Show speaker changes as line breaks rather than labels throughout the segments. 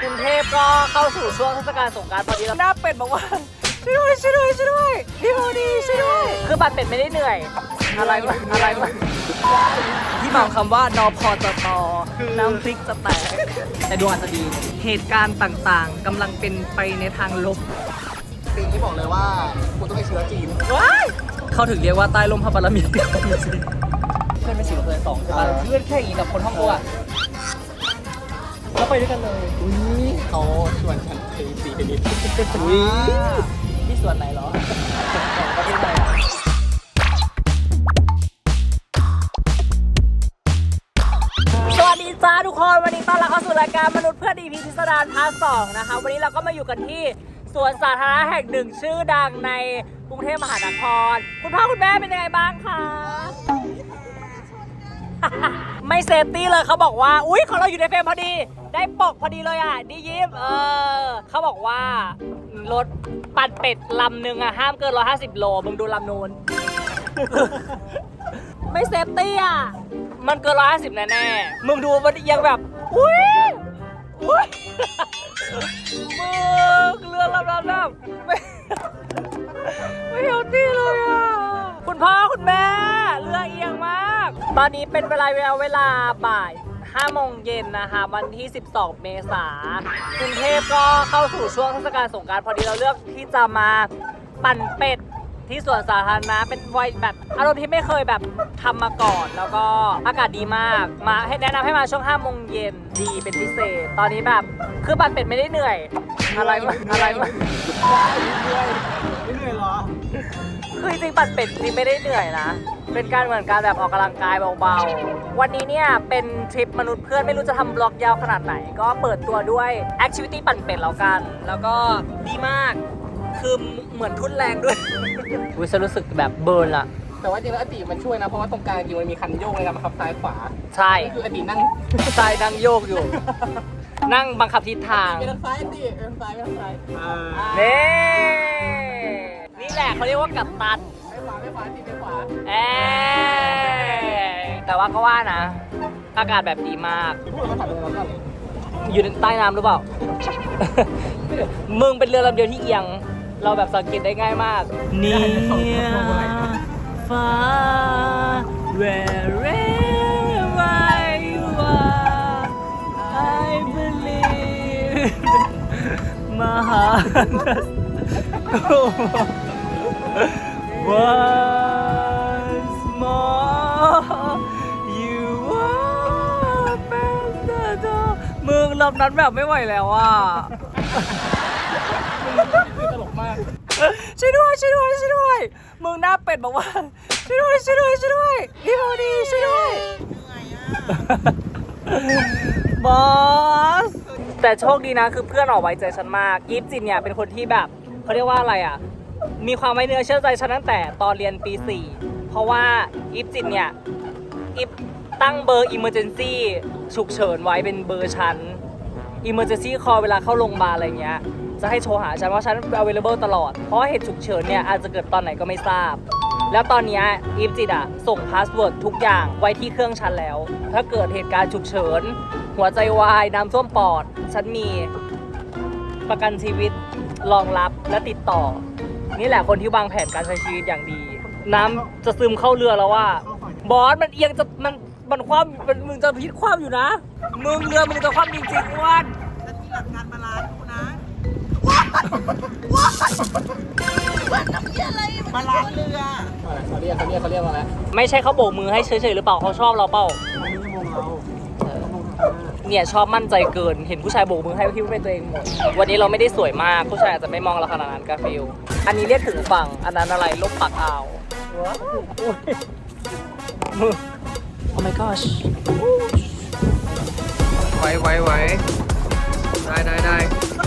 กรุงเทพก็เข้าสู่ช่วงเทศกาลสงกรานต์ตอนนี้แล้วหน้าเป็ดบอกว่าช่วยด้วยช่วยด้วยช่วยด้วยพี่โมดีช่วยด้วยคือบัตรเป็ดไม่ได้เหนื่อยอะไรมาที่หมายคำว่านพจตน้ำพริกจะแตกแต่ดวงอาจจะดีเหตุการณ์ต่างๆกำลังเป็นไปในทางลบ
ปีนี้บอกเลยว่าคุณต้องไปเชื้อจีน
ว้ายเขาถึงเรียกว่าใต้ลมพระบารมีเพื่อนไม่4 เพื่อน2ใช่ป่ะเพื่อนแค่อีกับคนห้องกูอะแล้วไปด้วยกันเลย
เขาชวนฉันไปสีไปนิด
ที่ส่วนไหนเหรอประเทศไหนอ่ะสวัสดีจ้าทุกคนวันนี้ต้อนรับเข้าสู่รายการมนุษย์เพื่อนดีพีพิสดารพาร์ท 2นะคะวันนี้เราก็มาอยู่กันที่สวนสาธารณะแห่งหนึ่งชื่อดังในกรุงเทพมหานครคุณพ่อคุณแม่เป็นยังไงบ้างคะไม่เซฟตี้เลยเขาบอกว่าอุ๊ยของเราอยู่ในเฟรมพอดีได้ปกพอดีเลยอ่ะดียิ้มเขาบอกว่ารถปั่นเป็ดลำหนึ่งอ่ะห้ามเกิน150 โลมึงดูลำนู้น ไม่เซฟตี้อ่ะมันเกิน150แน่ๆมึงดูมันยังแบบอุ๊ยมึงเรือลำนั้นแบบไม่เฮลตี้เลยอ่ะคุณพ่อคุณแม่เรือเอียงมากตอนนี้เป็นเวลาบ่าย5 โมงเย็นนะคะวันที่12 เมษายนกรุงเทพก็เข้าสู่ช่วงเทศกาลสงกรานต์พอดีเราเลือกที่จะมาปั่นเป็ดที่สวนสาธารณะเป็นวัยแบบอารมณ์ที่ไม่เคยแบบทำมาก่อนแล้วก็อากาศดีมากมาให้แนะนำให้มาช่วง5 โมงเย็นดีเป็นพิเศษตอนนี้แบบคือปั่นเป็ดไม่ได้เหนื่อยอะไรมา
ไม่เหนื่อยหรอ
คือจริงปั่นเป็ดจริงไม่ได้เหนื่อยนะเป็นการเหมือนการแบบออกกำลังกายเบาๆวันนี้เนี่ยเป็นทริปมนุษย์เพื่อนไม่รู้จะทำบล็อกยาวขนาดไหนก็เปิดตัวด้วยแอคทิวิตี้ปั่นเป็ดแล้วกันแล้วก็ดีมากคือเหมือนทุ่นแรงด้วยวิฉันรู้สึกแบบเบิร์นละ
แต่ว่าจริงแล้วอดีตมันช่วยนะเพราะว่าตรงกลางจริงมันมีคันโยกในการบังคับซ้ายขวา
ใช่
คืออดีตนั่ง
ซ้ายนั่งโยกอยู่ นั่งบังคับทิศทาง
ไปทางซ้ายดิไปทางซ้าย
นี่แหละเขาเรียกว่ากัปตัน
ไม่ขวาติดไปขวา
แต่ว่าก็ว่านะอากาศแบบดีมาก
พูดมาถามเราก่อน
อยู่ในใต้น้ำหรือเปล่า มึงเป็นเรือลำเดียวที่เอียงเราแบบสังเกตได้ง่ายมากนี่ฟ้า wherever you are I believe my heart once more you open the door มึงลำนั้นแบบไม่ไหวแล้วอ่ะ
ตลกมาก
ช่วยด้วยมึงหน้าเป็ดบอกว่าช่วยด้วยพี่โมดีช่วยด้วยบอสแต่โชคดีนะคือเพื่อนออกไว้ใจฉันมากยิปจินเนี่ยเป็นคนที่แบบเขาเรียกว่าอะไรอ่ะมีความไว้เนื้อเชื่อใจฉันตั้งแต่ตอนเรียนปี 4เพราะว่ายิปจินเนี่ยยิปตั้งเบอร์ emergency ฉุกเฉินไว้เป็นเบอร์ฉัน emergency call เวลาเข้าโรงพยาบาลอะไรเงี้ยจะให้โทรหาฉันว่าฉัน available ตลอดเพราะว่าเหตุฉุกเฉินเนี่ยอาจจะเกิดตอนไหนก็ไม่ทราบแล้วตอนนี้อีฟจิตอะส่งพาสเวิร์ดทุกอย่างไว้ที่เครื่องฉันแล้วถ้าเกิดเหตุการณ์ฉุกเฉินหัวใจวายน้ำท่วมปอดฉันมีประกันชีวิตรองรับและติดต่อนี่แหละคนที่วางแผนการใช้ชีวิตอย่างดีน้ำจะซึมเข้าเรือแล้วว่าบอสมันเอียงจะมันคว่ำมึงจะพิษคว่ำอยู่นะมึงเรือมึงจะคว่ำจริงๆอ้วน
จะมีหลักการบาลานซ์กูนะน้ำเยี่ยอะไรมาล้างเรือ
เขาเรียกมาแล้ว
ไม่ใช่เขาโบกมือให้เฉยๆหรือเปล่าเขาชอบเราเปล่าเนี่ยชอบมั่นใจเกินเห็นผู้ชายโบกมือให้คิดว่าเป็นตัวเองหมดวันนี้เราไม่ได้สวยมากผู้ชายอาจจะไม่มองเราขนาดนั้นกาฟิลอันนี้เรียกถึงฝั่งอันนั้นอะไรลบปากอ่าวมือ Oh my gosh ไว้ได้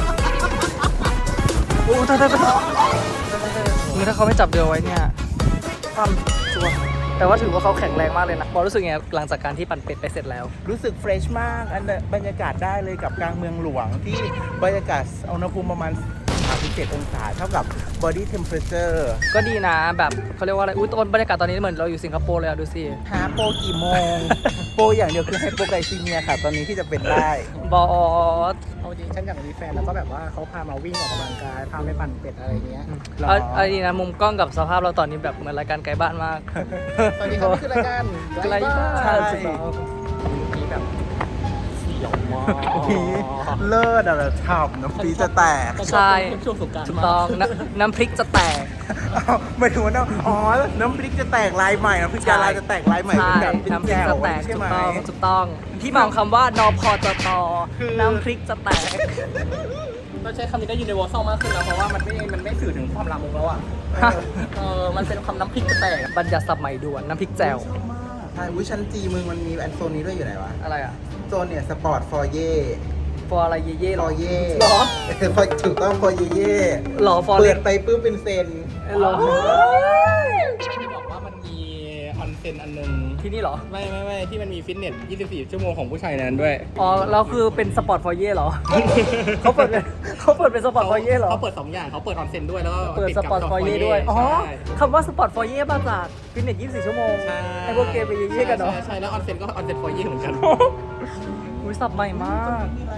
โอ้ตายถ้าเขาไม่จับเรือไว้เนี่ยความชัวแต่ว่าถือว่าเขาแข็งแรงมากเลยนะบอลรู้สึกไงหลังจากการที่ปั่นเป็ดไปเสร็จแล้ว
รู้สึกเฟรชมากบรรยากาศได้เลยกับกลางเมืองหลวงที่บรรยากาศอุณหภูมิประมาณ37 องศาเท่ากับ body temperature
ก็ดีนะแบบเขาเรียกว่าอะไรอุ้ยบรรยากาศตอนนี้เหมือนเราอยู่สิงคโปร์เลยอะดูสิ
หาโปรกี่โมง โปรอย่างเดียวคือไฮโปไกลซีเมียค่ะตอนนี้ที่จะเป็นได้
บอส
เอาจริงฉันอยากมีแฟนแล้วก็แบบว่าเขาพามาวิ่งออกกำลังกายพาไปปั่นเป็ดอะไรเงี้ย
เอาดีนะมุมกล้องกับสภาพเราตอนนี้แบบเหมือนรายการไกลบ้านมาก
ตอนนี้เขาคือรายการ
ไกลบ้าน
ใช่
สุดยอด
มีแบบเสียวมาก
เลิศอะฉ่ำน้ำปีจะแตก
ใช่
ช่วงสงกรานต์
ถูกต้องน้ำพริกจะแตก
ไม่ถึงว่าอ๋อ น้ำพริกจะแตกลายใหม่น้ำพริก
ใช่
ดาราจะแตกลายใหม่
ใช่
เป็นแบบเป็น
น้ำพริก
แก้ว
จะแตก
ใช่
ถู
ไหม
กต้องถูกต้อง ที่มาของคำว่านพจต
คือ
น้ำพริกจะแตก
เราใช้คำนี้ได้ยินในวอลซ่ามากขึ้นแล้วเพราะว่ามันไม่สื่อถึงความลามกแล้วอ่ะ
ฮะ
มันเป็นคำน้ำพริกจะแตก
บัญญัติศัพท์ใหม่ด่วนน้ำพริกแจ่ว
ชอบมากใช่วิชั้นจีมึงมันมีแอนโซนนี้ด้วยอยู่ไหนวะ
อะไรอ่ะ
โซนเนี่ยสปอร์ตฟอร์เย่
ฟอร์อะไรเย่ๆ
ฟ
หร
อ
อ
ร์เย่
หรอ
ถูกต้องฟอร์เย่
หรอฟอร์
เปิ
เร
ด
น
ไปปุ๊บเป็นเซน
หรอ
ที่บอกว่ามันมีออนเซ็นอันหนึง
ที่นี่เหรอ
ไม่ที่มันมีฟิตเนส 24 ชั่วโมงของผู้ชายในนั้นด้วย
อ๋อแล้วคือเป็นสปอร์ตฟอร์เย่เหรอ เขาเปิดเป็นสปอร์ตฟอร์เย่เหรอ
เขาเปิด 2 อย่างเขาเปิดออนเซ็นด้วยแล้วก็
เปิด
ติ
ส
กับ
ปอร์ตฟอร์เย่ด้วย อ๋อ
ใช่
คำว่าสปอร์ตฟอร์เย่มาจากฟิตเนส 24 ชั่วโมง
ใช่
ให้พวกเกย์ไปเย่ๆกันเนาะ
ใช่แล้วออนเซ็นก็ออนเซ็นฟอร์เย่เหมือนกัน
อุ้ยสับใหม่มาก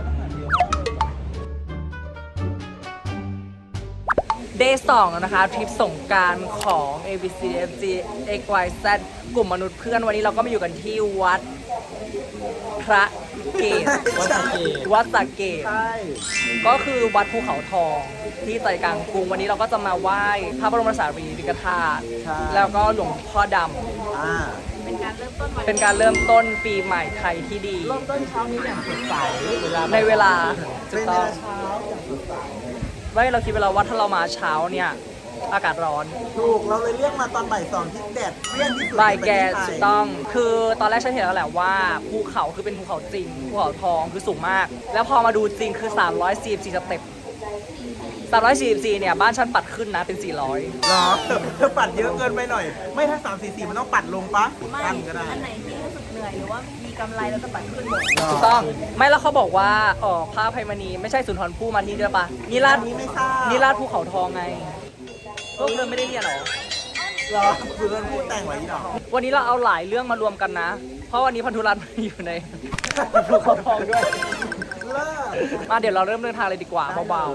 Day 2แล้วนะคะทริปสงกรานต์ของ ABCDFG XYZ กลุ่มมนุษย์เพื่อนวันนี้เราก็มาอยู่กันที่วัดพระเกศ
วัดสะเกษ
วัดสระเกศ
ใช่
ก็คือวัดภูเขาทองที่ใจกลางกรุงวันนี้เราก็จะมาไหว้พระบรมสารีริกธาตุ
ใช่
แล้วก็หลวงพ่อด
อ่า
ำเป็นการเริ่มต้นปีใหม่ไทยที่ดี
เริ่มต้นเช้านี้อย่างสดใส
ในเวลา
เป็นเวลาเช้าอย่างสดใส
ไม่เราคิดเวลาว่าถ้าเรามาเช้าเนี่ยอากาศร้อน
ถูกเราเลยเรียกมาตอนบ่าย 2ที่แดดเปรี้ยงที่สุด
บ่ายแก
ในประเทศไท
ถู
ย
กต้อง คือตอนแรกฉันเห็นแล้วแหละว่าภูเขาคือเป็นภูเขาจริงภูเขาทองคือสูงมาก แล้วพอมาดูจริงคือ344สเต็ป344เนี่ยบ้านฉันปัดขึ้นนะเป็น400
เหรอเธอปัดเยอะเกินไปหน่อย ไม่ถ้า344มันต้องปัดลงปะ
ไม่
ตั้งก็ได้
อันไหนที่รู้สึกเหนื่อยหรือว่ามีกำไรแล้วจะปัดขึ้นหมด
ถูกต้องไม่แล้วเขาบอกว่าพระอภัยมณีไม่ใช่สุนทรภู่มาที่นี่ด้วยปะนิราช
อันนี้ไม่ทราบ
นิราชภูเขาทองไงพวกเธอไม่ได้เรียนเหรอ
เหรอคือมันพูดแต่งไว้อีดอก
วันนี้เราเอาหลายเรื่องมารวมกันนะ เพราะวันนี้พันธุรัตน์อยู่ใน ภูเขาทองด้วย
เลิศ
มาเดี๋ยวเราเริ่มเดินทางเลยดีกว่าเบา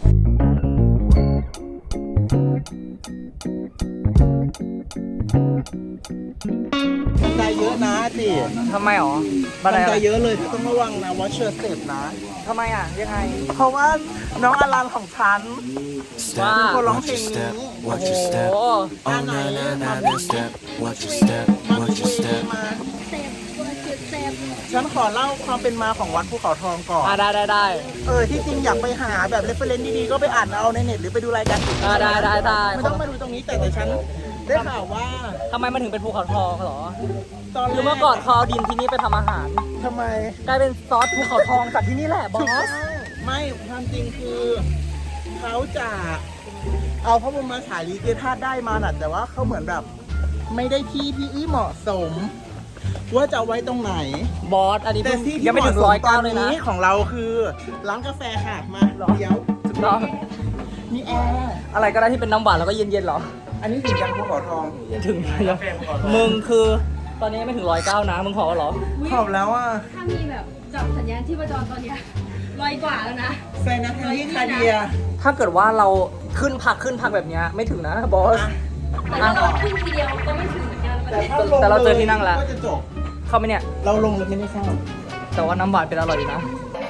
บันไดเยอะนะสิ
ๆทำไมหรอ
บัน
อะ
ได
ไร
เยอะเลยเธอต้องระวังนะ watch your step นะ
ทำไมอ่ะยังไง
เพราะว่าน้องอลันของฉัน
ว่า
เป็นคนร้องเพลงนี้
โอ้
Watch
โห
your step.
อ่า
Oh
ไหน
na na
มา
na
บุ
na
ก
step. Watch your step.
มาบุ
Watch
ก
your
เว
step.
มา
เซฟเซฟ
ฉันขอเล่าความเป็นมาของวัดภูเขาทองก่อน
ได้
ที่จริงอยากไปหาแบบ reference ดีๆ ก็ไปอ่านเอาในเน็ตหรือไปดูรายการอื่น
ได้
ไม่ต้องมาดูตรงนี้แต่ฉันได้ข่าวว่า
ทำไมมันถึงเป็นภูเขาทองเหรอ
ตอน
ห
แร
รือเมื่อก่อนเขาเอาดินที่นี่ไปทำอาหาร
ทำไม
กลายเป็นซอสภูเขาทองจากที่นี่แหละบอ
ถูกต้
ส
องไม่ความจริงคือเขาจะเอาพระบรมสารีริกธาตุได้มาน่ะแต่ว่าเขาเหมือนแบบ ไม่ได้ที่เหมาะสม ว่าจะเอาไว้ตรงไหน
บอสอันนี้
แต่
เพิ่ง
ที่
ยังไม่ถึง
เหะส
109
ตอน
เลยนะ
นี้ของเราคือร้านกาแฟค่ะมาเดี๋ยว
ถูกต้อง
มีแอร์
อะไรก็ได้ที่เป็นน้ำหวานแล้วก็เย็นๆเหรอ
อันนี้ถึงยังภูเขาทอง
ถึงยังมึงคือ ตอนนี้ยังไม่ถึง109นะมึงขอเหรอ
ขอบแล้วอ่ะ
ถ้ามีแบบจับสัญญาณที่ประจรตอนเนี้ย100 กว่าแล้วนะ
ไซนัทาลีคาเดีย
ถ้าเกิดว่าเราขึ้นพักแบบเนี้ยไม่ถึงนะบอส
แต่ถ้าเราขึ้นทีเดียวก็ไม่ถึงเหมือนกัน
แต่เราเจอที่นั่งแล้ว
ก็จะจบ
เข้าไหมเนี่ย
เราลงแล้วไม่ได้เข้า
แต่ว่าน้ำหวานเป็นอร่อยอยู่นะ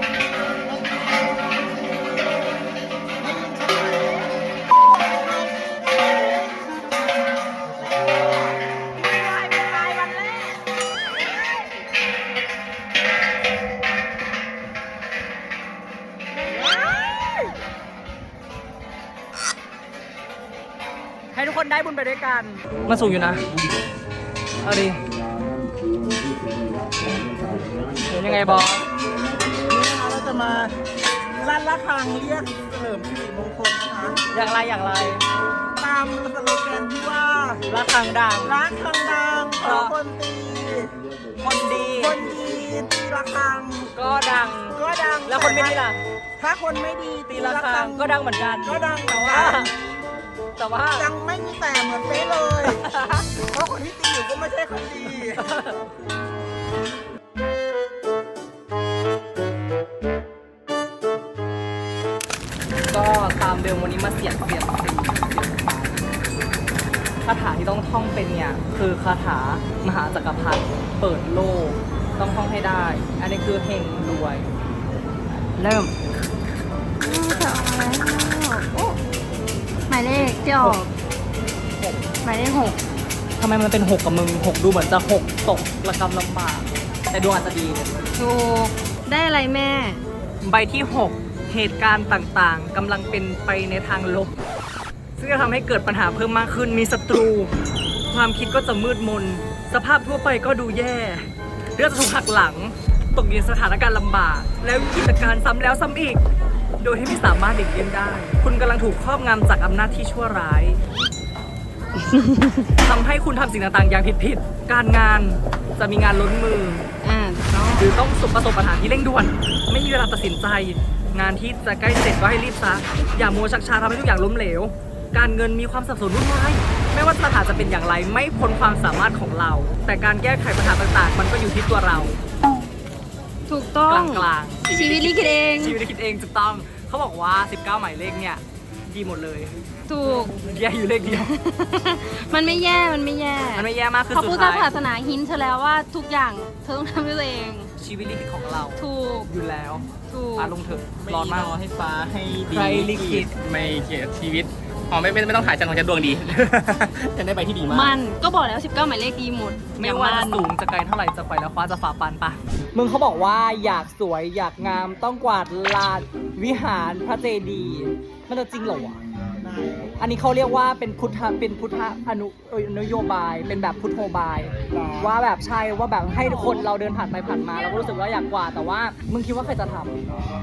ให้ทุกคนได้บุญไปด้วยกัน มาสูงอยู่นะ เอาดิเป็นยังไงบอส
นี่นะคะเราจะมาลั่นระฆังเรียกเฉลิมสิริมงคลนะคะ
อย่างไร
ตามสโลแกนที่ว่า
ระฆังดัง
รักคังดังขอคนตี
คนดี
คนดีตีระฆัง
ก็ดัง
ก็ดัง
แล้วคนไม่ดีล่ะ
ถ้าคนไม่ดี
ตีระฆังก็ดังเหมือนกัน
ก็ดังแต่
แต่
ว่า
ว่า
ดังไม่มีแต่เหมือนเป๊ะเลย เพราะคนที่ตีอยู่ก็ไม่ใช่คนดี
เตามเดิมวันนี้มาเสียบคาถาที่ต้องท่องเป็นเนี่ยคือคาถามหาจักรพรรดิเปิดโลกต้องท่องให้ได้ อันนี้คือเฮงรวย เริ่ม
จะออกแล้วโอ้หมายเลขที่ออกหมายเลข 6
ทำไมมันเป็น6กับมึง6ดูเหมือนจะ6ตกระกำลำบาก แต่ดวงอาจจะดี
ถูกได้อะไรแม่
ใบที่ 6 เหตุการณ์ต่างๆกำลังเป็นไปในทางลบ ซึ่งจะทำให้เกิดปัญหาเพิ่มมากขึ้นมีศัตรู ความคิดก็จะมืดมน สภาพทั่วไปก็ดูแย่เรื่องจะถูกหักหลัง ตกอยู่ในสถานการณ์ลำบาก แล้วกิจการซ้ำแล้วซ้ำอีก โดยที่ไม่สามารถหลีกเลี่ยงได้ คุณกำลังถูกครอบงำจากอำนาจที่ชั่วร้าย ทำให้คุณทำสิ่งต่างๆอย่างผิดๆการงานจะมีงานล้นมือ หรือต้องประสบปัญหาที่เร่งด่วน ไม่มีเวลาตัดสินใจ งานที่จะใกล้เสร็จก็ให้รีบซะอย่ามัวชักช้าทำให้ทุกอย่างล้มเหลว การเงินมีความสับสนวุ่นวายไม่ว่าปัญหาจะเป็นอย่างไรไม่พ้นความสามารถของเรา แต่การแก้ไขปัญหาต่างๆ มันก็อยู่ที่ตัวเรา
ถูกต้อง
กลางๆ
ชีวิตลิขิตเอง
ชีวิตลิขิตเองถูกต้องเขาบอกว่า 19 หมายเลขเนี่ยดีหมดเลย
ถูก
แย่อยู่เลขเดียว
มันไม่แย่มันไม่แย่
มันไม่แย่มากคือ
พระ
สุ
พุ
ด
ทธ
ท้าย
ศาสนาหินเธอแล้วว่าทุกอย่างเธอต้องทำด้วยตัวเอง
ชีวิตลิขิตของเรา
ถูก
อยู่แล้ว
ถูก
ลงเถอะ
ไม่
ร้อนมาก
รอให้ฟ้าให้ดี
ใครลิขิต
ไม่เขียนชีวิตอ๋อไม่ต้องถ่ายฉันของฉันดวงดี ฉันได้ไปที่ดีมาก
มันก็บอกแล้ว 19 หมายเลขดีหมด
ไม่ว่าจะสูงจะไกลเท่าไหร่จะไปแล้วคว้าจะฝ่าปันปะมึงเขาบอกว่าอยากสวยอยากงามต้องกวาดลานวิหารพระเจดีย์มันจะจริงเหรอวะอันนี้เขาเรียกว่าเป็นพุทธนโยบายเป็นแบบพุทโธบาย ว่าแบบใช่ว่าแบบให้คนเราเดินผ่านไปผ่านมาเราก็รู้สึกว่าอยากกวาดแต่ว่ามึงคิดว่าใครจะทำ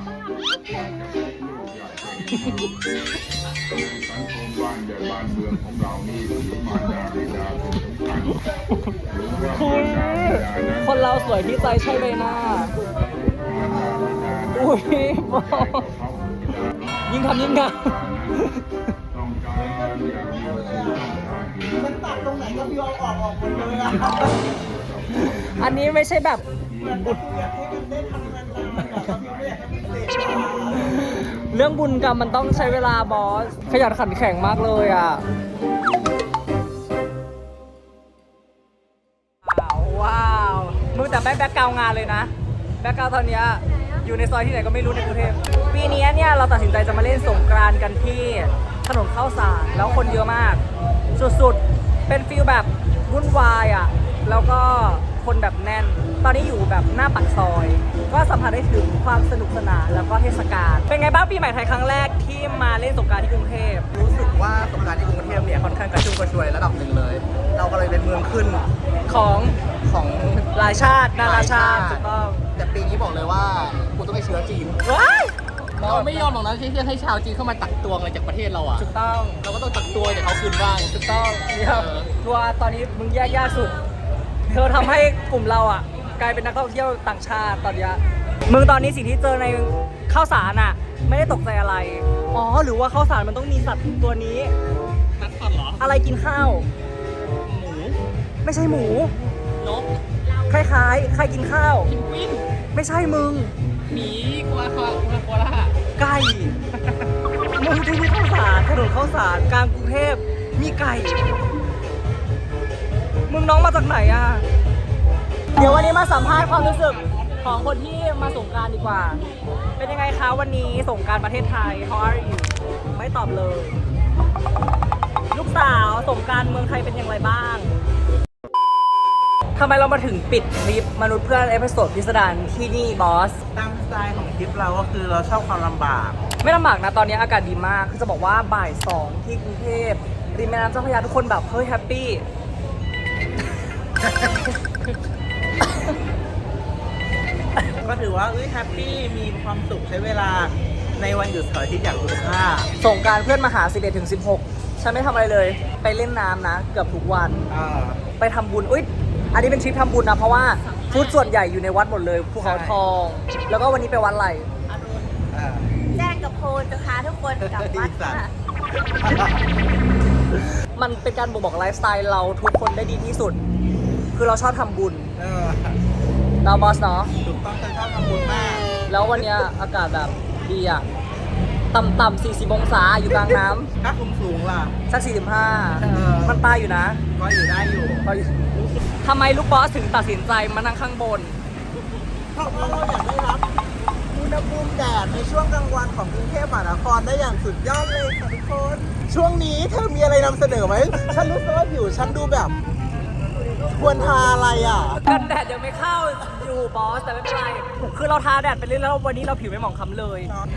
สังคมบ้านใหญ่บ้านเมืองของเรานี่ถือมารดาบิดาเป็นสำคัญหรือว่า
คุ
มาย รดาบิดานั้น
คนเราสวยที่ใจใช่เลยนะอุ้ยยิ่งทำยิ่งงาม
ต้องการเงินอย่างเดียวคือต้องการเงิน
มันตัดตรงไหนก็พี่เอาออกหมดเลยอะ
อันนี้ไม่ใช่แบบ
เหมือนบุตรอยากให้มันได้ทำงานๆอะก็พี่ไม่อยากให้มันเสร็จ
เรื่องบุญกรรมมันต้องใช้เวลาบอส ขยันขันแข็งมากเลยอ่ะ ว้าวมึงแต่แบ็คกราวงานเลยนะ แบ็คกราวตอนเนี้ยอยู่ในซอยที่ไหนก็ไม่รู้ในกรุงเทพปีนี้เนี่ยเราตัดสินใจจะมาเล่นสงกรานต์กันที่ถนนข้าวสารแล้วคนเยอะมาก สุดๆ เป็นฟีลแบบวุ่นวายอ่ะ แล้วก็คนแบบแน่น ตอนนี้อยู่แบบหน้าปากซอย ก็สัมผัสได้ถึงความสนุกสนานแล้วก็เทศกาล เป็นไงบ้างปีใหม่ไทยครั้งแรกที่มาเล่นสงกรานต์ที่กรุงเทพ
รู้สึกว่าสงกรานต์ที่กรุงเทพเนี่ยค่อนข้างกระชุ่มกระชวยระดับหนึ่งเลย เราก็เลยเป็นเมืองขึ้น
ของ
ของ
หลายชาตินานาชาติถูกต้อง
แต่ปีนี้บอกเลยว่ากูต้องไปเชื้อจีน
ว้าย
เราไม่ยอมหรอกนะที่จะให้ชาวจีนเข้ามาตักตวงอะไรจากประเทศเราอ่ะ
ถูกต้อง
เราก็ต้องตักตวงจากเขาคืนบ้าง
ถูกต้องเนี่ยทัวร์ตอนนี้มึงแย่ยากสุด เธอทำให้กลุ่มเราอ่ะ กลายเป็นนักท่องเที่ยวต่างชาติตอนเนี้ยมึงตอนนี้สิ่งที่เจอในข้าวสารอ่ะ ไม่ได้ตกใจอะไร อ๋อ หรือว่าข้าวสารมันต้องมีสัตว์ตัวนี้
นักขันเหรอ
อะไรกินข้าว
หมู
ไม่ใช่หมู
นก
คล้ายๆ ใครกินข้าว
พินกวิน
ไม่ใช่มึง
หมีกัวโคล่า
ไก่ มึงที่นี่ข้าวสารถนนข้าวสารกลางกรุงเทพมีไก่ มึงน้องมาจากไหนอ่ะ เดี๋ยววันนี้มาสัมภาษณ์ความรู้สึกของคนที่มาสงกรานต์ดีกว่า เป็นยังไงคะวันนี้สงกรานต์ประเทศไทย How are you ไม่ตอบเลย ลูกสาวสงกรานต์เมืองไทยเป็นอย่างไรบ้างทำไมเรามาถึงปิดคลิปมนุษย์เพื่อนเอพิโซดพิสดารที่นี่บอส
ตามสไตล์ของทริปเราก็คือเราชอบความลำบาก
ไม่ลำบากนะตอนนี้อากาศดีมาก คือจะบอกว่าบ่าย 2 ที่กรุงเทพริมแม่น้ำเจ้าพระยาทุกคนแบบเฮ้ยแฮปปี้
ก็ถือว่าแฮปปี้มีความสุขใช้เวลาในวันหยุดเสาร์อาทิตย์อย่างคุ้มค่า
ส่งกรารเพื่อนมาหา 11 ถึง 16 ฉันไม่ทำอะไรเลย ไปเล่นน้ำนะ เกือบทุกวัน ไปทำบุญอุ้ยอันนี้เป็นทริปทำบุญนะ เพราะว่าฟุตส่วนใหญ่อยู่ในวัดหมดเลยภูเขาทอง แล้วก็วันนี้ไปวัดอะไร
แจ้งกับโพลจะพาทุกคนกลับวัดค่ะ
มันเป็นการบ่งบอกไลฟ์สไตล์เราทุกคนได้ดีที่สุด คือเราชอบทำบุญเราบอสเนาะ
ถูกต้องฉันชอบทำบุญมาก
แล้ววันเนี้ยอากาศแบบดีอ่ะต่ำๆ40 องศาอยู่กลางน้
ถ้าสูงล่ะ
ำสัก 45 มันตายอยู่นะ
ก็อยู่ได้อยู่
ทำไมลูกบอสถึงตัดสินใจมานั่งข้างบน
เพราะว่าเราอยากได้รับอุณหภูมิแดดในช่วงกลางวันของกรุงเทพมหานครได้อย่างสุดยอดเลยค่ะทุกคน ช่วงนี้เธอมีอะไรนำเสนอไหม ฉันรู้สึกว่าผิวฉันดูแบบ ควรทาอะไรอ่ะ
กันแดดยังไม่เข้าอยู่บอสแต่ไม่เป็นไร คือเราทาแดดไปเรื่อยๆแล้ววันนี้เราผิวไม่หมองคล้ำเลย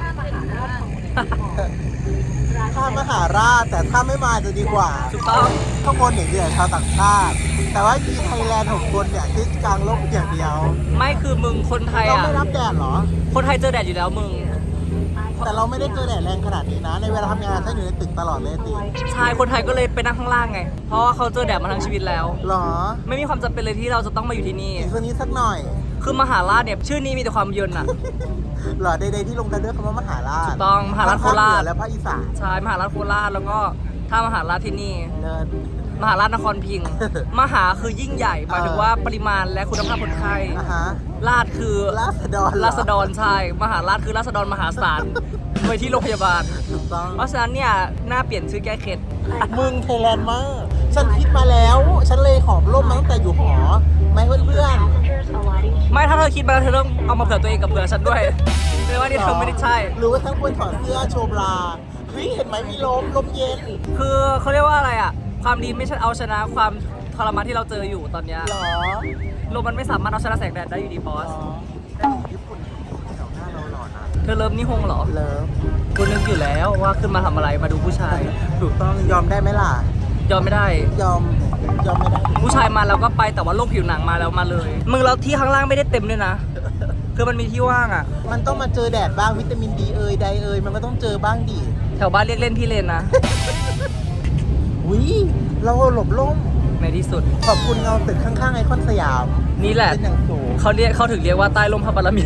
ถ้ามหาราชแต่ถ้าไม่มาจะดีกว่า
ถูกต้อง
ข้างบนอย่างเดียวชาวต่างชาติ แต่ว่าที่ไทยแลนด์6 คนเนี่ยที่กลางร่มอย่างเดียว
ไม่คือมึงคนไทย
เรา
อ่ะ
ไม่รับแดดเหรอ
คนไทยเจอแดดอยู่แล้วมึง
แต่เราไม่ได้เจอแดดแรงขนาดนี้นะ ในเวลาทำงานฉันอยู่ในตึกตลอดเลยติ
ชายคนไทยก็เลยไปนั่งข้างล่างไง เพราะว่าเขาเจอแดดมาทั้งชีวิตแล้ว
หรอ
ไม่มีความจำเป็นเลยที่เราจะต้องมาอยู่ที่นี่
อีกสักนิดสักหน่อย
คือมหาราชเนี่ยชื่อนี้มีแต่ความเยินอ่ะ
หรอใดๆที่ลงท้ายด้วยคำว่ามหาราช
ถูกต้องมหาราชโคราช
และภาคอีสาน
ใช่มหาราชโคราชแล้วก็ถ้ามหาราชที่นี่
เนิน
มหาราชนครพิงค์ มหาคือยิ่งใหญ่หมายถึงว่าปริมาณและคุณภาพคนไข้
อ่ะฮะ
ราชคือ
ราษฎรเหอ
ราษฎรใช่ มหาราชคือราษฎรมหาศาลไปที่โรงพยาบาล
ถูกต้อง
เพราะฉะนั้นเนี่ยน่าเปลี่ยนชื่อแก้เคล็ด
มึงไทยแลนด์มาก ฉันคิดมาแล้ว ฉันเลยหอบร่มมาตั้งแต่อยู่หอไหมเพื่อน
ไม่ถ้าเธอคิดมาแล้วเธอต้องเอามาเผื่อตัวเองกับเผื่อฉันด้วยแปลว่านี่เธอไม่ได้ใช่
หรือว่าทั้งควรถอดเสื้อโชว์บราเฮ้ยเห็นไหมมีลมเย็น
คือเขาเรียกว่าอะไรอ่ะ ความดีไม่ใช่เอาชนะความทรมานที่เราเจออยู่ตอนเนี้ย
หรอ
ลมมันไม่สามารถเอาชนะแสงแดดได้อยู่ดีบอส
ญี่ปุ่นแถวหน้าเราหล่อนะ
เธอเริ่มนิฮงเหรอ
เลิฟ
กูนึกอยู่แล้วว่าขึ้นมาทำอะไรมาดูผู้ชาย
ถูกต้องยอมได้ไหมล่ะ
ยอมไม่ได้
ยอมไม่ได้
ผู้ชายมาแล้วก็ไปแต่ว่าโรคผิวหนังมาแล้วมาเลย มึงแล้วที่ข้างล่างไม่ได้เต็มด้วยนะ คือมันมีที่ว่างอ่ะ
มันต้องมาเจอแดดบ้างวิตามินดีไดมันก็ต้องเจอบ้างดิ
แถวบ้านเรียกเล่นพี่เลนนะ
อุ้ยเราหลบร่ม
ในที่สุด
ขอบคุณเงาตึกข้างๆไอคอนสยาม
นี่แหละ
เป็นอย่างสูง
เขาถึงเรียกว่าใต้ลมพระบารมี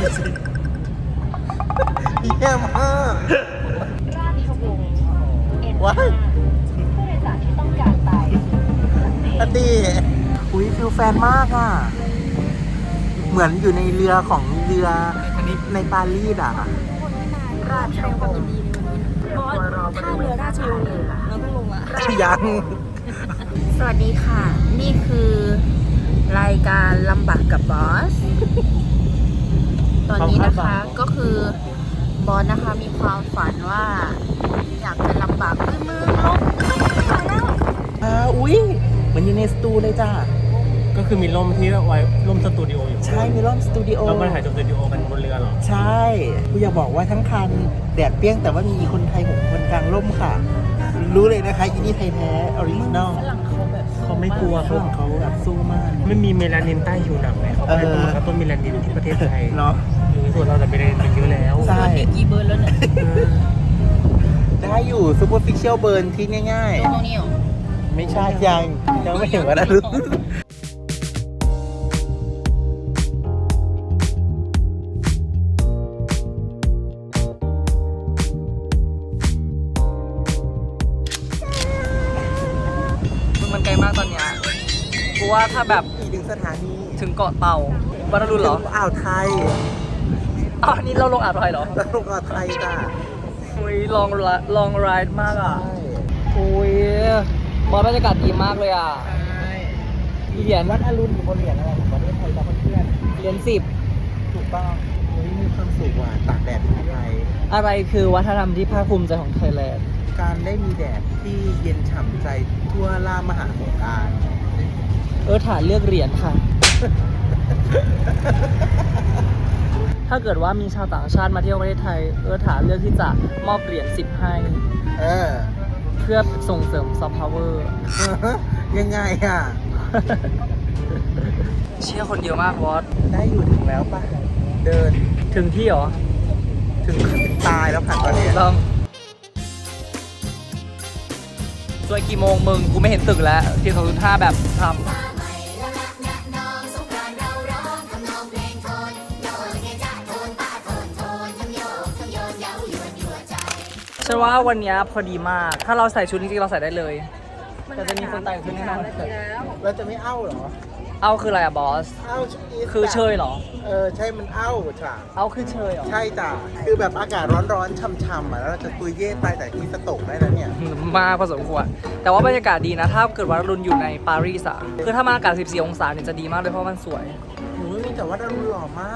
เยี่ยมมากว้ายอดีอุ้ยฟิลแฟนมากอ่ะ เหมือนอยู่ในเรือของเรือในปารีสอ่ะ
ราชวงศ์บอสท่าเรือราชวงศ์เราต้องลงละ
ยัง
สวัสดีค่ะ นี่คือรายการลำบากกับบอส ตอนนี้นะคะก็คือบอสนะคะมีความฝันว่า อยากจะลำบากด้วยมือลงไปแล้ว
อุ้ยเหมือนอยู่ในสตูเลยจ้า
ก็คือมีร่มที่ไว้ร่มสตูดิโออยู่
ใช่มีร่มสตูดิโอ
เรามาถ่ายสตูดิโอกันบนเรือเหรอ
ใช่กูอยากบอกว่าทั้งคันแดดเปรี้ยงแต่ว่ามีคนไทย6 คนกลางร่มค่ะ รู้เลยนะคะอีนี่ไทยแท้ออริจินอล
ฝรั่งเขาแบบ
เขาไม่กลัว
ฝรั่งเขาแบบสู้มาก
ไม่มีเมลานินใต้ผิวหนังเลยเขาไม่ได้ต้องกระตุ้นเมลานินที่ประเทศไทย
เนาะ
ส่วนเราแต่เมลานินมันเยอะแล้ว
ใช่
กี่เบอร์แล้วเนี่ย
ได้อยู่ซูเปอร์ฟิเชียลเบิร์นที่ง่าย
ตรงนี้เหรอ
ๆ ไม่ใช่ยังไม่ถึงวันนั้น
มึงมันไกลมากตอนเนี้ยกูว่าถ้าแบบ
อีกหนึ่งสถานี
ถึงเกาะเต่าบรรลุเหรอ
อ่าวไทย
อ๋อนี่เราลงอ่าวไทยเหรอ
แล้วลงอ่าวไทยจ้า
อุ้ยลองไรด์มากอ่ะอุ้ยบอสบรรยากาศดีมากเลยอ่ะเหรียญ
วัดอรุณอยู่บนเหรียญอะไรของประเทศไทยจ้าเพื่อน
เหรียญ10
ถูกต้องมีความสุขว่ะตากแดดที่ไทย
อะไรคือวัฒนธรรมที่ภาคภูมิใจของไทยแลนด์
การได้มีแดดที่เย็นฉ่ำใจทั่วล่ามหาสงกรานต์
ฐานเลือกเหรียญค่ะ ถ้าเกิดว่ามีชาวต่างชาติมาเที่ยวประเทศไทยฐานเลือกที่จะมอบเหรียญ10ให้
เออ
เพื่อส่งเสริมซอฟต์พาวเวอร์
ยังไงอ่ะ
เชี่ยคนเยอะมากบอส
ได้อยู่ถึงแล้วป่ะ เดิน
ถึงที่เหรอ
ถึงตายแล้วผ่านตอนนี้
ต้องสวยกี่โมงมึง กูไม่เห็นตึกแล้วที่2.5แบบทำฉันว่าวันนี้พอดีมาก ถ้าเราใส่ชุดจริงๆเราใส่ได้เลย แต่จะมีคนแต่งชุดแน่นอน
เราจะไม่เอ้าเหรอ
เอาคืออะไรอะบอส
เอ้าอีส
คือเชยเหรอ
ใช่มันเอ้าจ้ะ
เอาคือเชยเหรอ
ใช่จ้ะคือแบบอากาศร้อนๆช่ำๆอ่ะแล้วเราจะตุยเย่ตายแต่ที่สตกได้แล้วเนี่ย
มากพอสมควรแต่ว่าบรรยากาศดีนะ ถ้าเกิดว่ารุนอยู่ในปารีสอะคือถ้ามาอากาศ 14 องศาเนี่ยจะดีมากเลยเพราะมันสวย
หนูมีแต่ว่าดารุณหล่อมาก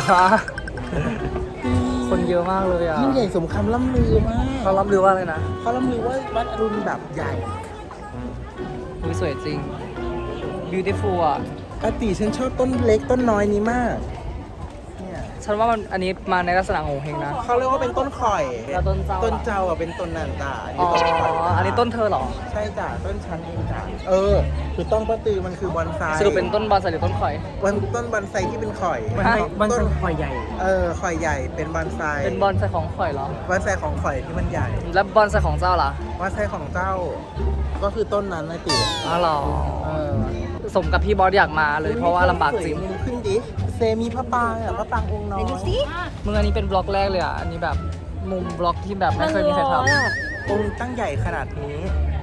คนเยอะมากเลยอ่ะ
ยิ่งใหญ่สมคำล่ำลือมาก
เขารับรู้ว่าอะไรนะ
เขาล่ำลือว่าวัดอรุณแบบใหญ่
อุ๊ยสวยจริง beautiful อ่ะ
ปกติฉันชอบต้นเล็กต้นน้อยนี้มากเนี่ย
ฉันว่ามันอันนี้มาในลักษณะโงเฮงนะ
เขาเรียกว่าเป็นต้นข่อย
แล้วต้นเจ้าล่ะ
ต้นเจ้าอ่ะเป็นต้นนันตา
อ๋อ
ต้นข่อย
อันนี้ต้นเธอเหรอ
ใช่จ้ะต้นชั้นเองจ้ะคือต้นป้าตือมันคือบอนไซ
สรุปเป็นต้นบอนไซหรือต้นข่อย
ต้นบอนไซที่เป็นข่อย
บอนไซ
ต้น
ข่อยใหญ่
ข่อยใหญ่เป็นบอนไซ
เป็นบอนไซของข่อยเหรอ
บอนไซของข่อยที่มันใหญ่
แล้วบอนไซของเจ้าล่ะ
บอนไซของเจ้า ก็คือต้นนั้นนะติ๋ว
อ๋อเหรอสมกับพี่บอสอยากมาเลยเพราะว่าลำบากจริง
มุมขึ้นดิเซมีพระปางอ่ะพระปางองค์น้อย
มึงอันนี้เป็นบล็อกแรกเลยอ่ะ อันนี้แบบมุมบล็อกที่แบบไม่เคยมีใครท
องค์ตั้งใหญ่ขนาดนี้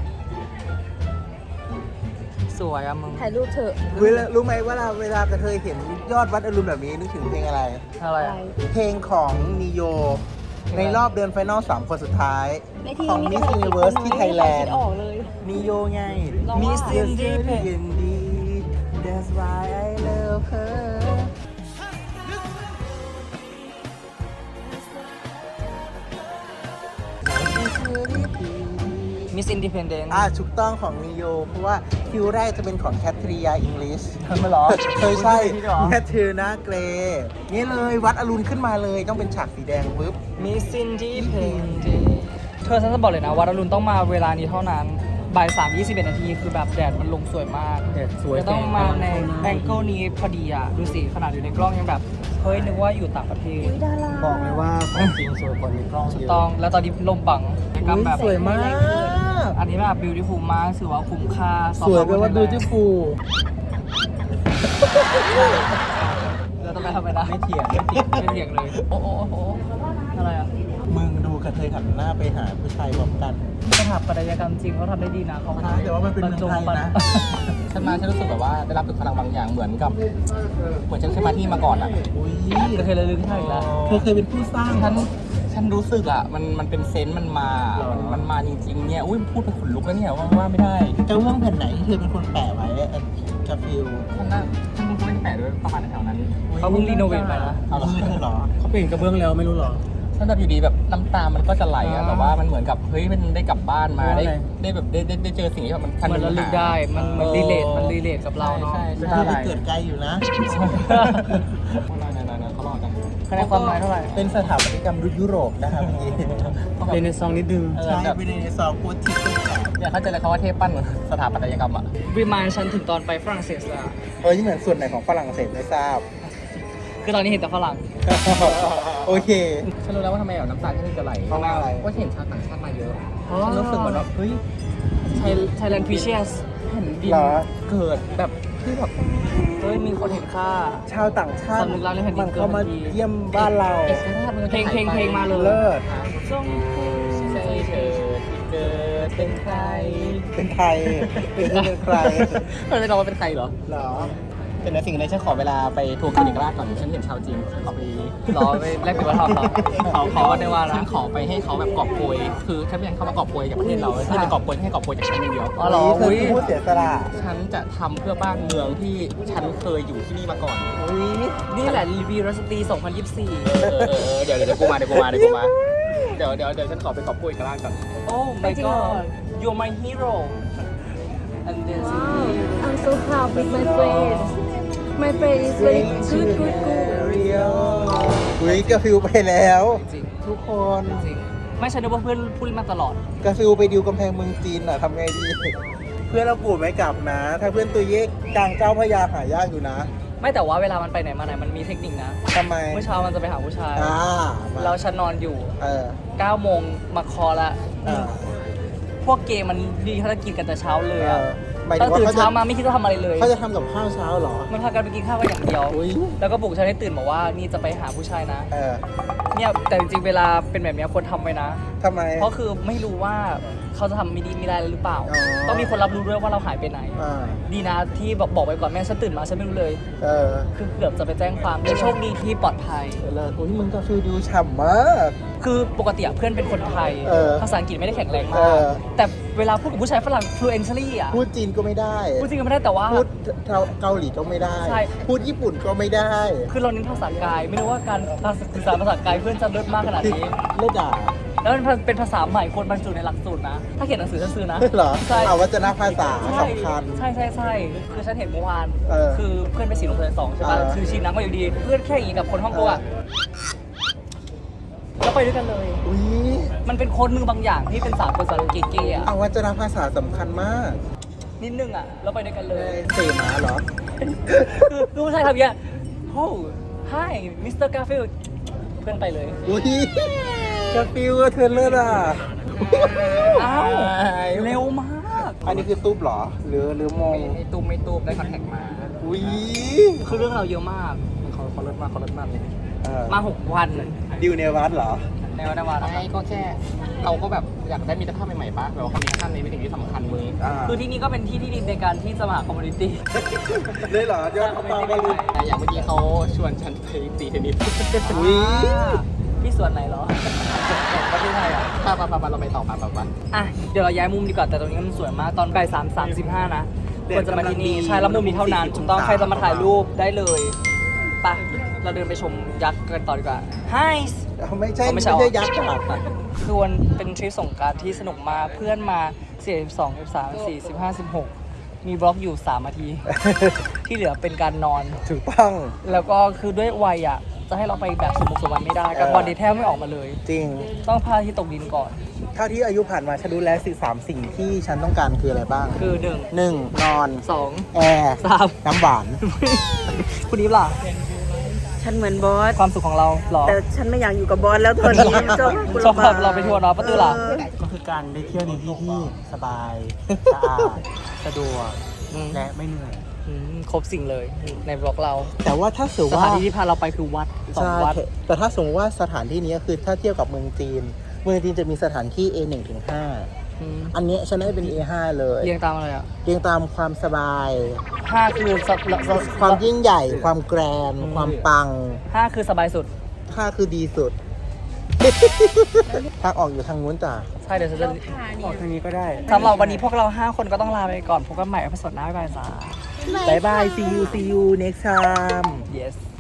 ำสวยอ่ะมึง
ถ่ายรูปเถอะ
รู้ไหมว่าเวลากระเทยเห็นยอดวัดอรุณแบบนี้นึกถึงเพลงอะไร
อะไรอ่ะ
เพลงของนิโยในรอบเดือนไฟนอล3 คนสุดท้าย ของ Miss Universe ที่ไทยแลนด์
ออกเลย
นิโยไง
Miss Independent
Independent That's why I love her
มิสอินดิเพนเดนต์
ถูกต้องของนิโยเพราะว่าคิวแรกจะเป็นของแคทริยาอิงลิช
ไม่หรอ
เคยใช่
ที่หรอ
แคทริยาเกรนี่เลยวัดอรุณขึ้นมาเลยต้องเป็นฉากสีแดงปุ๊บ
มิสอินดิเพนเดนต์เธอฉันจะบอกเลยนะว่าดารุณต้องมาเวลานี้เท่านั้นบ่าย3:21 นาทีคือแบบแดดมันลงสวยมาก
แดดสวย
จะต้องมาในแองเกิลนี้พอดีอ่ะ ดูสิขนาดอยู่ในกล้องยังแบบ เฮ้ย นึกว่าอยู่ต่างประเทศ
บอกเลยว่าของจริงสวยกว่าในกล้อง
ถูก
เยอะ
ต้องแล้วตอนนี้ลมบังกำแบบ
สวยมาก
อันนี้แบบ beautiful มากถือว่าคุ้มค่า
สวยแปลว่า beautiful
แล้วต้องไปทำไมนะ
ไม่เถียง
ไม่เถียงเลย โอ้โอ้โอ้อะไรอ่ะ
มึงดูกระเทยหันหน้าไปหาผู้ชายพร้อมกัน
สถาปัตยกรรมจริงเขาทำได้ดีนะเขา
แต่ว่ามันเป็นเมืองไทยนะ
ฉันมาฉันรู้สึกแบบว่าได้รับถึงพลังบางอย่างเหมือนฉันเคยมาที่มาก่อนอ่ะ
อุ้ย
กระเทยระลึกให้อีกแล้ว
เธอเคยเป็นผู้สร้าง
ฉันรู้สึกอ่ะมันเป็นเซนส์มันมา
หรอ
มันมาจริงๆเนี่ยอุ้ยพูดไปขนลุกแล้วเนี่ยว่าไม่ได้
กระเบื้องแผ่นไหนที่เธอเป็นคนแปะไว้กาฟิล
ฉันไม่ได้แปะด้วยประมาณแถวๆนั้น
เขาเพิ่งรีโนเวทไปนะ
เอามือเธอเหรอ
เขาเปลี่ยนกระเบื้องแล้วไม่รู้หรอฉันแบบอยู่ดีแบบน้ำตามันก็จะไหลอ่ะแต่ว่ามันเหมือนกับเฮ้ยมันได้กลับบ้านมาได้แบบได้เจอสิ่งที่แบบมัน
เหมือนระลึกได้ มันเหมือนรีเลทกับเราเนาะ
ใช่
เธ
ใช่
อไปเกิดไกลอยู่นะ
นั่นเขารอกัน
คะแนนความหมายเท่าไหร่
เป็นสถาปัตยกรรมยุโรปนะครับเมื่อกี้
เรเนซองนิดนึง
ใช่เป็นในซองโคตรทิพย์
อยากเข้าใจเลยเขาว่าเทพปั้นสถาปัตยกรรมอ่ะ
รีมายฉันถึงตอนไปฝรั่งเศสเลยอะ
ที่เหมือนส่วนไหนของฝรั่งเศสไม่ทราบ
คือตอนนี้เห็นแต่ฝรั่ง
โอเค
ฉันรู้แล้วว่าทำไมแบบน้ำตาฉันจะไหล
เพราะว่าอะไร
เพราะเห็นชาวต่างชาติมาเยอะ
อ๋อ
ฉันรู้สึกเหมือนแบบเฮ้ย
Thailand Precious
แผ่นดิน
เหรอ
เกิดแบบที่แบบ
เฮ้ย มีคนเห็นค่า
ชาวต่างชาติ
สำนึกรักในแผ่นดิน
มันเข้ามา
เกินนาที
เยี่ยมบ้านเรา
เอกราชมันก็
เพลง
หายไป
เพลงมาเลย
เลิศ
จง
ใจเธอที่เกิดเป็นใคร
เป็นไทยเป็นใคร
มันไม่รู้ว่าเป็นใครเหรอ
เหรอ
แต่ในสิ่งนี้ฉันขอเวลาไปทัวร์คลินิกราชก่อนฉันเห็นชาวจีนฉันขอไป
รอไปแลกเปลี่ยนวัฒนธรรมเหรอ
เขา
ว่าได้ว่าละ
ฉันขอไปให้เขาแบบกอบโกยคือฉันไม่อยากให้เขามากอบโกยกับประเทศเราฉันจะกอบโกยให้กอบโกยจากฉันอย่างเดียว
อ๋อเหรอ
เธอ
อุ้ย
คือผู้เสียสละ
ฉันจะทำเพื่อบ้านเมืองที่ฉันเคยอยู่ที่นี่มาก่อน
อุ้ย
นี่แหละรีวิวรัสตี 2024
เดี๋ยวกูมาเดี๋ยวฉันขอไปกอบโกยกับร้านก่อน
Oh my god you're my hero and then
I'm so proud with my friend my friend is very good
อุ้ยกาฟิลไปแล้ว
จริง
ทุกคน
จริงไม่ใช่นึกว่าเพื่อนพูดมาตลอด
กาฟิลไปดิวกำแพงเมืองจีนอ่ะทำไงดี เพื่อนเรากูไม่กลับนะ ถ้าเพื่อนตัวเยกกลางเจ้าพระยาหายากอยู่นะ
ไม่แต่ว่าเวลามันไปไหนมาไหนมันมีเทคนิคนะ
ทำไม
เมื่อเช้ามันจะไปหาผู้ชาย
มา
แล้วฉันนอนอยู่ 9 โมงมาคอละ
เออ
พวกเกย์มันดีภารกิจกันแต่เช้าเลย
เอ
อะ
อหมายถึ
ตั้
ง
ง
ว่า
ตื่น
เขาจะ
เช้ามาไม่คิดจะทำอะไรเลย
เขาจะทำกับข้าวเช้าเหรอ
มันพากันไปกินข้าวกันอย่างเดียว
อุ้ย
แล้วก็ปลุกฉันให้ตื่นบอกว่านี่จะไปหาผู้ชายนะ
เออ
เนี่ยแต่จริงๆเวลาเป็นแบบเนี้ยควรทำไว้นะ
ทำไม
เพราะคือไม่รู้ว่าเขาจะทำไม่ดีไม่ได้หรือเปล่า
อ๋อ
ต้องมีคนรับรู้ด้วยว่าเราหายไปไหน
อ่า
ดีนะที่บอกไปก่อนแม่ฉันตื่นมาฉันไม่รู้เลย
เออ
คือเกือบจะไปแจ้งความแต่โชคดีที่ปลอดภัย
เลิศอุ้ยมึงก็ฟิลดูฉ่ำมาก
คือปกติอะเพื่อนเป็นคนไทย
เออ
ภาษาอังกฤษไม่ได้แข็งแรงมา
เอก อ
แต่เวลาพูดกับผู้ชายฝรั่ง fluently อะ
พูดจีนก็ไม่ได้
พูดจริงก็ไม่ได้แต่ว่า
พูดเกาหลีก็ไม่ได้
ใช่
พูดญี่ปุ่นก็ไม่ได้
คือเราเน้นภาษากาย ไม่รู้ว่าการสื่อสารภาษากายเพื่อนจะเลิศมากขนาดนี้
เลิศอ่ะ
แล้วมันเป็นภาษาใหม่คนบรรจุในหลักสูตรนะ ถ้าเขียนหนังสือฉันซื้อนะ
เหรอ
ใช่
เอาวัจนภาษาสำคัญ
ใช่คือฉันเห็นเมื่อวาน
เออ
คือเพื่อนไปสีลงเรียน2ใช่ป่ะ
เออ
คือชิมน้ำมาอยู่ดี เพื่อนแค่อย่างนี้กับคนฮ่องกงอะแล้วไปด้วยกันเลย
อุ้ย
มันเป็นโค้ดมือบางอย่างที่เป็นสากลภาษาเก๋ๆอะ
เอาวัจนภาษาสำคัญมาก
นิดนึงอะแล้วไปด้วยกันเลย
เสมาเหรอ
คือผู้ชายทำอย่างเงี้ยโอ้ hi Mr. Garfield เพื่อนไปเลย
อุ้ยกาฟิวเธอเลิศอ่ะ
อ้าวเร็วมาก
อันนี้คือตุ๊บเหรอ หรือโมง
ไม่ตูมได้คอนแทคมา
อุ้ย
คือเรื่องเราวเยอะมากเขาเลิศมากเลย
เออ
มา6 วัน
ดิวเนวัตเหรอ
ในวันวัน
ใช่ก็แค่เราก็แบบอยากได้มิตรภาพใหม่ๆปะแบบว่าความมิตรภาพนี้เป็นสิ่งที่สำคัญมึง
คือที่นี่ก็เป็นที่ที่ดีในการที่จะมาหาคอมมูนิตี้
เลยเหรอยอดเขาเปาบอลลูน
แต่อย่างเมื่อกี้เขาชวนฉันไปตีเทนนิส
อุ๊ย
ที่ส่วนไหนเหรอประเทศไทยอ่ะ
ปะเราไปต่อปะ
อ่ะ เดี๋ยวเราย้ายมุมดีกว่า แต่ตรงนี้มันสวยมาก ตอนบ่าย3:35นะควรจะมาที่นี่ ใช่ แล้วมุมนี้เท่านั้นถูกต้อง ใครจะมาถ่ายรูปได้เลยไปเราเดินไปชมยักษ์กันต่อดีกว่า Hi
ไม่ใช่
ไม่
ไม่
ใช่
ใช่ยักษ์ค่ะ
คือวันเป็นทริปสงกรานต์ที่สนุกมากเพื่อนมา42 13 14 15 16 มีบล็อกอยู่3นาที ที่เหลือเป็นการนอน
ถูกต้อง
แล้วก็คือด้วยวัยอ่ะ จะให้เราไปแบบสมบุกสมบันไม่ได้กับวันเดย์แทบไม่ออกมาเลย
จริง
ต้องพาที่ตกดินก่อน
เท่าที่อายุผ่านมาฉันรู้แล้ว3 สิ่งที่ฉันต้องการคืออะไรบ้าง
คือ
1 นอน
1 2
แอร์
3
น้ำหวาน
คุณนี้ล่ะ
ฉันเหมือนบอส
ความสุขของเราเหรอ
แต่ฉันไม่อยากอยู่กับบอสแล้วตอนนี้ชอบคุณ
ชอบพาเราไปทัวร์เนาะป้าตื้อล่ะ
ก็คือการได้เที่ยวในที่ที่สบาย สะอาด สะดวก และไม่เหนื่อย
ครบสิ่งเลยในบล็อกเรา
แต่ว่าถ้าสมม
ส
ติ
ถาน
ว่า
ที่ที่พาเราไปคือวัดสองวัด
ใช่แต่ถ้าสมมติว่าสถานที่นี้คือถ้าเทียบกับเมืองจีน เมืองจีนจะมีสถานที่ A1 ถึง 5
อืม
อันเนี้ยฉันได้เป็น A5 เลย
เรียงตามอะไรอ่ะ
เรียงตามความสบาย
5 คือ
ความยิ่งใหญ่ ความแกรนด์ความปัง
5 คือสบายสุด
5 คือดีสุด ทางออกอยู่ทางนู้นจ้ะ
ใช่เดี๋ยวฉันจะ
ออกทางนี้ก็ได้
สำหรับวันนี้พวกเรา 5 คนก็ต้องลาไปก่อนพบกันใหม่ในตอนหน้าบ๊ายบายจ้า
บายบาย see you next time
yes